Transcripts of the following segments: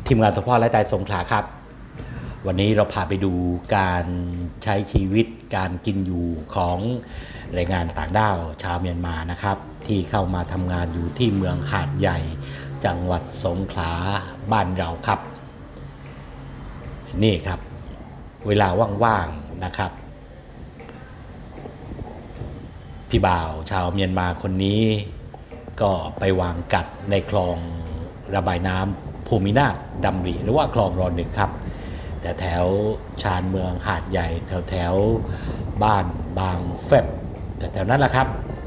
ทีมงานตัวพ่อและตายสงขลาครับวันนี้เราพาไปดูการใช้ชีวิตการกินอยู่ของแรงงานต่างด้าวชาวเมียนมานะครับที่เข้ามาทำงานอยู่ที่เมืองหาดใหญ่จังหวัดสงขลาบ้านเราครับนี่ครับเวลาว่างๆนะครับพี่บ่าวชาวเมียนมาคนนี้ก็ไปวางกัดในคลองระบายน้ำภูมินาถดำริหรือว่าคลองร.1ครับแต่แถวชานเมืองหาดใหญ่แถวบ้านบางแฟบแต่แถวนั้นแหละครับ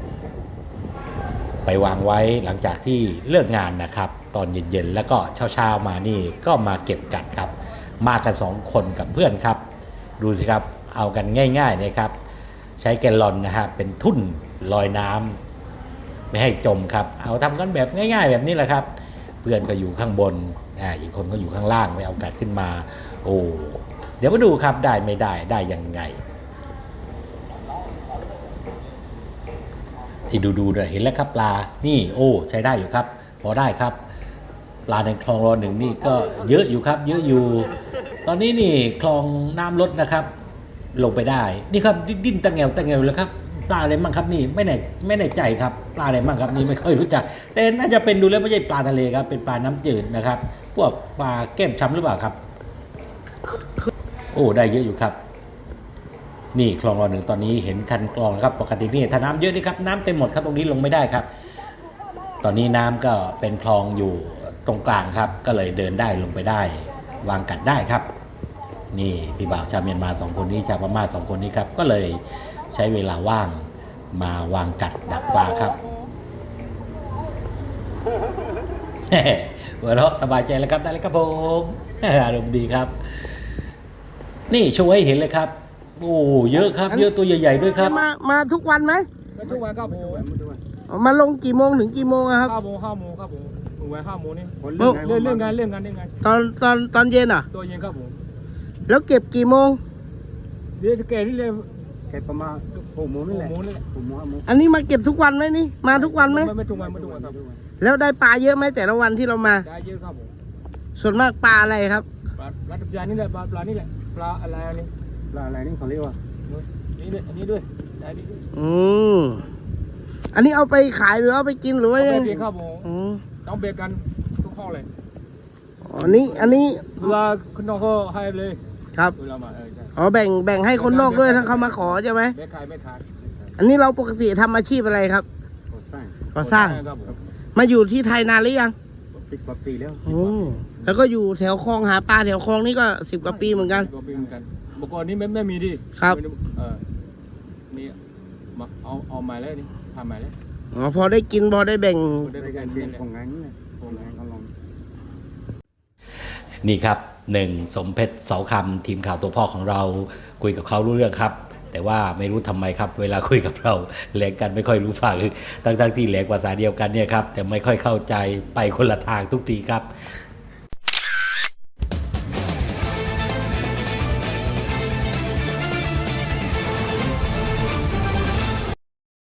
ไปวางไว้หลังจากที่เลิกงานนะครับตอนเย็นๆแล้วก็เช้าๆมานี่ก็มาเก็บกัดครับมากัน2คนกับเพื่อนครับดูสิครับเอากันง่ายๆเลยครับใช้แกลลอนนะฮะเป็นทุ่นลอยน้ำไม่ให้จมครับเอาทำกันแบบง่ายๆแบบนี้แหละครับเพื่อนก็อยู่ข้างบนอีกคนก็อยู่ข้างล่างไปเอากัดขึ้นมาโอ้เดี๋ยวมาดูครับได้ไม่ได้ยังไงที่ดูเนี่ยเห็นแล้วครับปลานี่โอ้ใช้ได้อยู่ครับพอได้ครับปลาในคลองร.1นี่ก็เยอะอยู่ครับเยอะอยู่ตอนนี้นี่คลองน้ำลดนะครับลงไปได้นี่ครับดิ้นตะแงวแล้วครับปลาอะไรมั่งครับนี่ไม่แน่ใจครับปลาอะไรมั่งครับนี่ไม่ค่อยรู้จักแต่น่าจะเป็นดูแล้วไม่ใช่ปลาทะเลครับเป็นปลาน้ำจืดนะครับพวกปลาแก้มช้ำหรือเปล่าครับโอ้ได้เยอะอยู่ครับนี่คลองร.1ตอนนี้เห็นคันกรองครับปกตินี่ถ้าน้ำเยอะนี่ครับน้ำเต็มหมดครับตรงนี้ลงไม่ได้ครับตอนนี้น้ำก็เป็นคลองอยู่ตรงกลางครับก็เลยเดินได้ลงไปได้วางกัดได้ครับนี่พี่บ่าวชาวเมียนมา2คนนี้ชาวพม่า2คนนี้ครับก็เลยใช้เวลาว่างมาวางกัดดักปลาครับหัวเราะสบายใจแล้วครับได้เลยครับผมอารมณ์ดีครับนี่โชว์ให้เห็นเลยครับโอ้เยอะครับเยอะตัวใหญ่ๆด้วยครับมาทุกวันไหมมาทุกวันครับผมมาลงกี่โมงถึงกี่โมงครับ 5 โมงครับผมถึงวัน5 โมงนี่เรื่องงานตอนเย็นอ่ะตัวเย็นครับผมแล้วเก็บกี่โมงเดี๋ยวจะเก็บนี่เลยเก็บประมาณ6 โมงนี่แหละ6 โมงอันนี้มาเก็บทุกวันไหมนี่มาทุกวันไหมไม่ทุกวันครับแล้วได้ปลาเยอะไหมแต่ละวันที่เรามาได้เยอะครับผมส่วนมากปลาอะไรครับปลาตะเพียนนี่แหละปลานี่แหละปลาอะไรนี่ปลาอะไรนี่เขาเรียกว่านี่ด้วยอันนี้ด้วยได้ดีด้วยอันนี้เอาไปขายหรือเอาไปกินหรือว่ายังไงครับผมต้องเบรกกันทุกห้องเลยอันนี้เวลาคุณน้องเขาให้เลยครับเวลามาแบ่งให้คนนอกด้วยถ้าเขามาขอใช่ไหมไม่ขายอันนี้เราปกติทำอาชีพอะไรครับก่อสร้างมาอยู่ที่ไทยนานหรือยัง 10 กว่าปีแล้วแล้วก็อยู่แถวคลองหาปลาแถวคลองนี่ก็10 กว่าปีเหมือนกันเมื่อก่อนนี้ไม่มีดิครับนี่มาเอาใหม่แล้วนี่ทำใหม่แล้วพอได้กินพอได้แบ่งของงานนี่เขาลองนี่ครับ1สมเพชรเสาคำทีมข่าวตัวพ่อของเราคุยกับเขารู้เรื่องครับแต่ว่าไม่รู้ทำไมครับเวลาคุยกับเราแหลกกันไม่ค่อยรู้ฝั่งทั้งที่แหลกภาษาเดียวกันเนี่ยครับแต่ไม่ค่อยเข้าใจไปคนละทางทุกทีครับ